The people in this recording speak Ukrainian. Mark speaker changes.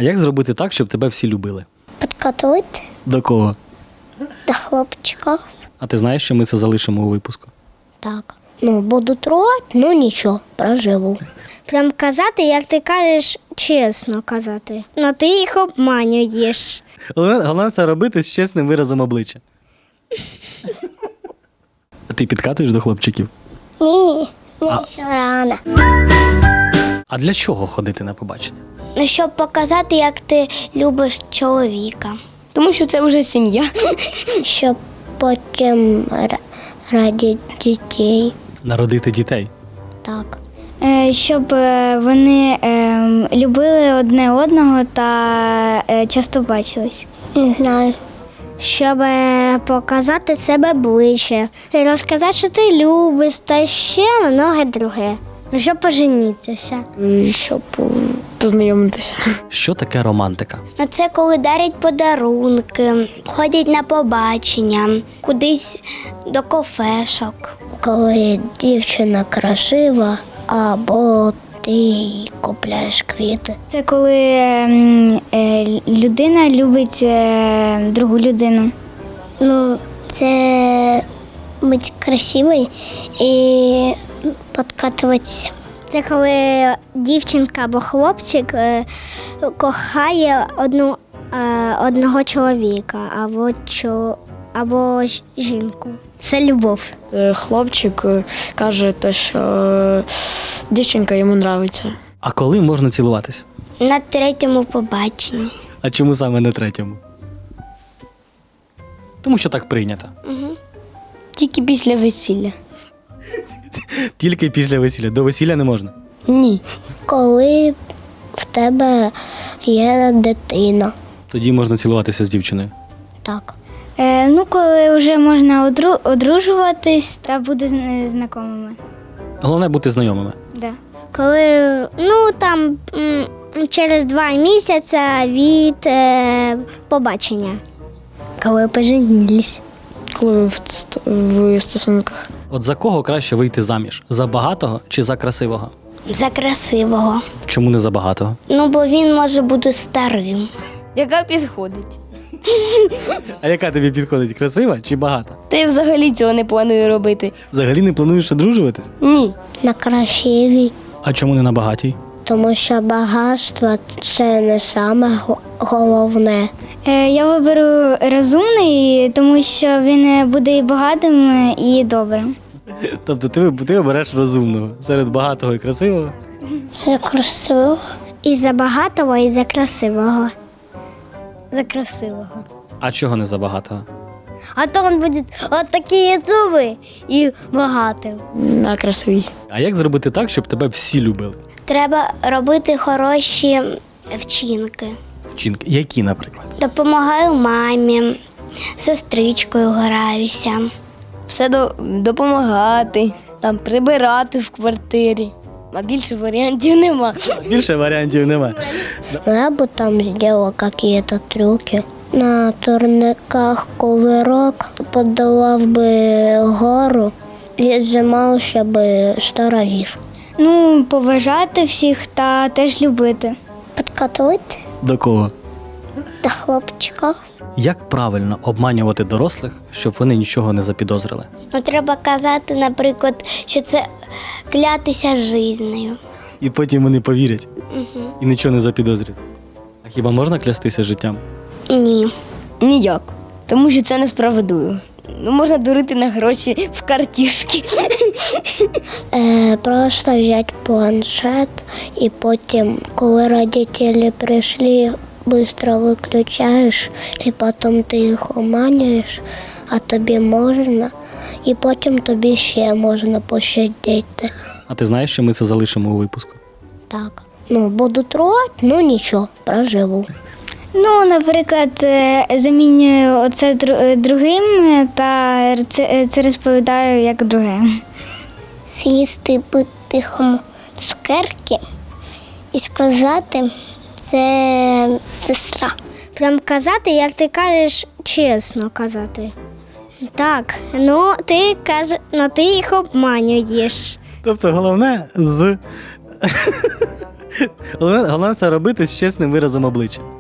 Speaker 1: як зробити так, щоб тебе всі любили?
Speaker 2: Підкатувати
Speaker 1: До кого?
Speaker 2: до хлопчиків.
Speaker 1: А ти знаєш, що ми це залишимо у випуску?
Speaker 2: Так. Буду трогати, нічого, проживу. Прям казати, як ти кажеш, чесно казати. Ти їх обманюєш.
Speaker 1: Головне це робити з чесним виразом обличчя. А ти підкатуєш до хлопчиків?
Speaker 2: Ні, ще рано.
Speaker 1: А для чого ходити на побачення?
Speaker 2: Щоб показати, як ти любиш чоловіка.
Speaker 3: Тому що це вже сім'я.
Speaker 2: Щоб потім раді дітей.
Speaker 1: Народити дітей.
Speaker 2: Так.
Speaker 3: Щоб вони любили одне одного та часто бачились.
Speaker 2: Не знаю. Щоб показати себе ближче. І розказати, що ти любиш, та ще многе друге. Щоб поженітися.
Speaker 3: Щоб познайомитися.
Speaker 1: Що таке романтика?
Speaker 2: Це коли дарять подарунки, ходять на побачення, кудись до кафешок. Коли дівчина красива, або ти їй купляєш квіти.
Speaker 3: Це коли людина любить другу людину.
Speaker 2: Це бути красивою і підкатуватися. Це коли дівчинка або хлопчик кохає одного чоловіка або жінку. Це любов.
Speaker 4: Хлопчик каже, що дівчинка йому подобається.
Speaker 1: А коли можна цілуватися?
Speaker 2: На третьому побаченні.
Speaker 1: А чому саме на третьому? Тому що так прийнято.
Speaker 3: Тільки після весілля.
Speaker 1: Тільки після весілля. До весілля не можна.
Speaker 3: Ні.
Speaker 2: Коли в тебе є дитина.
Speaker 1: Тоді можна цілуватися з дівчиною.
Speaker 2: Так.
Speaker 3: Коли вже можна одружуватись та бути знайомими.
Speaker 1: Головне бути знайомими.
Speaker 3: Да.
Speaker 2: Коли, через 2 місяці від побачення. Коли поженились.
Speaker 4: Коли в стосунках.
Speaker 1: От за кого краще вийти заміж? За багатого чи за красивого?
Speaker 2: За красивого.
Speaker 1: Чому не за багатого?
Speaker 2: Бо він може бути старим.
Speaker 3: Яка підходить?
Speaker 1: А яка тобі підходить? Красива чи багата?
Speaker 3: Та я взагалі цього не планую робити.
Speaker 1: Взагалі не плануєш одружуватись?
Speaker 3: Ні.
Speaker 2: На красивій.
Speaker 1: А чому не на багатій?
Speaker 2: Тому що багатство – це не саме головне.
Speaker 3: Я виберу розумний, тому що він буде і багатим, і добрим.
Speaker 1: Тобто ти обереш розумного серед багатого і красивого?
Speaker 2: За красивого. І за багатого, і за красивого. За красивого.
Speaker 1: А чого не за багатого?
Speaker 2: А то він буде от такі зуби і багатим.
Speaker 4: На красивій.
Speaker 1: А як зробити так, щоб тебе всі любили?
Speaker 2: Треба робити хороші вчинки.
Speaker 1: Вчинки. Які, наприклад?
Speaker 2: Допомагаю мамі, з сестричкою граюся.
Speaker 3: Все допомагати, прибирати в квартирі. А більше варіантів нема.
Speaker 1: Більше варіантів немає.
Speaker 2: Я бы там сделала какие-то трюки. На турниках ковирок подолав би гору і займався би 100 разів.
Speaker 3: Поважати всіх та теж любити.
Speaker 2: Підкатувати
Speaker 1: До кого?
Speaker 2: до хлопчиків.
Speaker 1: Як правильно обманювати дорослих, щоб вони нічого не запідозрили?
Speaker 2: Треба казати, наприклад, що це клятися жизнею.
Speaker 1: І потім вони повірять і нічого не запідозрять. А хіба можна клястися життям?
Speaker 2: Ні.
Speaker 3: Ніяк. Тому що це несправедливо. Можна дурити на гроші в картішки.
Speaker 2: Просто взяти планшет і потім, коли родителі прийшли, швидко виключаєш, і потім ти їх обманюєш, а тобі можна, і потім тобі ще можна пощадити.
Speaker 1: А ти знаєш, що ми це залишимо у випуску?
Speaker 2: Так. Буду трогати, нічого, проживу.
Speaker 3: Наприклад, замінюю оце другим та це розповідаю як друге.
Speaker 2: З'їсти по-тихому цукерки і сказати, це сестра. Прям казати, як ти кажеш, чесно казати. Так, ти їх обманюєш.
Speaker 1: Тобто головне Головне це робити з чесним виразом обличчя.